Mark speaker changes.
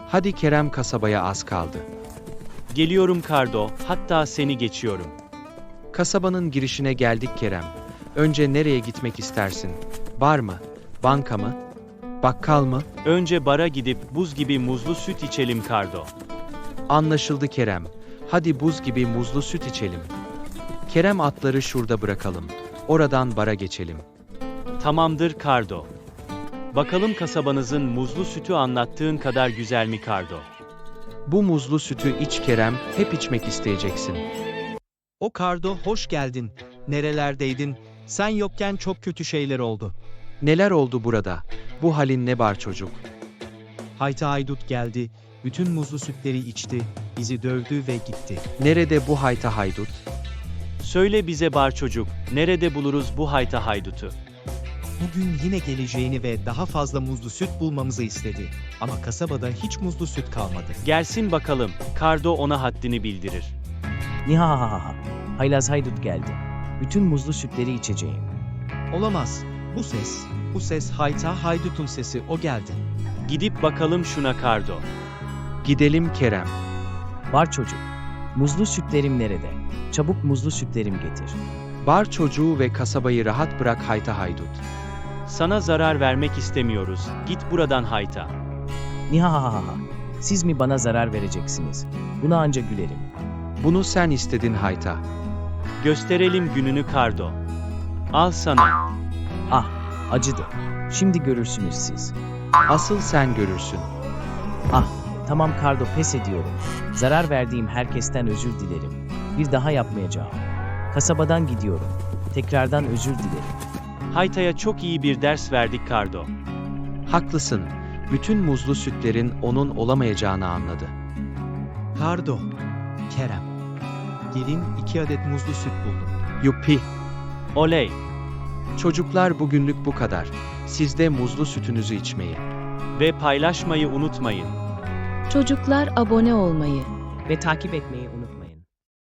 Speaker 1: Hadi Kerem, kasabaya az kaldı.
Speaker 2: Geliyorum Kardo, hatta seni geçiyorum.
Speaker 1: Kasabanın girişine geldik Kerem. Önce nereye gitmek istersin? Bar mı? Banka mı? Bakkal mı?
Speaker 2: Önce bara gidip buz gibi muzlu süt içelim Kardo.
Speaker 1: Anlaşıldı Kerem. Hadi buz gibi muzlu süt içelim. Kerem, atları şurada bırakalım. Oradan bara geçelim.
Speaker 2: Tamamdır Kardo. Bakalım kasabanızın muzlu sütü anlattığın kadar güzel mi Kardo?
Speaker 1: Bu muzlu sütü iç Kerem, hep içmek isteyeceksin.
Speaker 3: O Kardo, hoş geldin. Nerelerdeydin? Sen yokken çok kötü şeyler oldu.
Speaker 1: Neler oldu burada? Bu halin ne bar çocuk?
Speaker 3: Hayta Haydut geldi, bütün muzlu sütleri içti, bizi dövdü ve gitti.
Speaker 1: Nerede bu hayta haydut?
Speaker 2: Söyle bize bar çocuk, nerede buluruz bu hayta haydutu?
Speaker 3: Bugün yine geleceğini ve daha fazla muzlu süt bulmamızı istedi. Ama kasabada hiç muzlu süt kalmadı.
Speaker 2: Gelsin bakalım, Kardo ona haddini bildirir.
Speaker 4: Nihahaha. Haylaz haydut geldi. Bütün muzlu sütleri içeceğim.
Speaker 3: Olamaz. Bu ses Hayta Haydut'un sesi, o geldi.
Speaker 2: Gidip bakalım şuna Kardo.
Speaker 1: Gidelim Kerem.
Speaker 4: Var çocuk. Muzlu sütlerim nerede? Çabuk muzlu sütlerim getir.
Speaker 1: Bar çocuğu ve kasabayı rahat bırak hayta haydut.
Speaker 2: Sana zarar vermek istemiyoruz, git buradan hayta.
Speaker 4: Nihahaha. Siz mi bana zarar vereceksiniz? Buna anca gülerim.
Speaker 1: Bunu sen istedin hayta.
Speaker 2: Gösterelim gününü Kardo. Al sana.
Speaker 4: Ah, acıdı. Şimdi görürsünüz siz.
Speaker 1: Asıl sen görürsün.
Speaker 4: Ah, tamam Kardo, pes ediyorum. Zarar verdiğim herkesten özür dilerim. Bir daha yapmayacağım. Kasabadan gidiyorum. Tekrardan özür dilerim.
Speaker 2: Hayta'ya çok iyi bir ders verdik Kardo.
Speaker 1: Haklısın. Bütün muzlu sütlerin onun olamayacağını anladı.
Speaker 3: Kardo, Kerem. Gelin 2 adet muzlu süt buldum.
Speaker 1: Yuppi.
Speaker 2: Oley!
Speaker 1: Çocuklar, bugünlük bu kadar. Siz de muzlu sütünüzü içmeyi.
Speaker 2: Ve paylaşmayı unutmayın.
Speaker 5: Çocuklar, abone olmayı
Speaker 6: ve takip etmeyi unutmayın.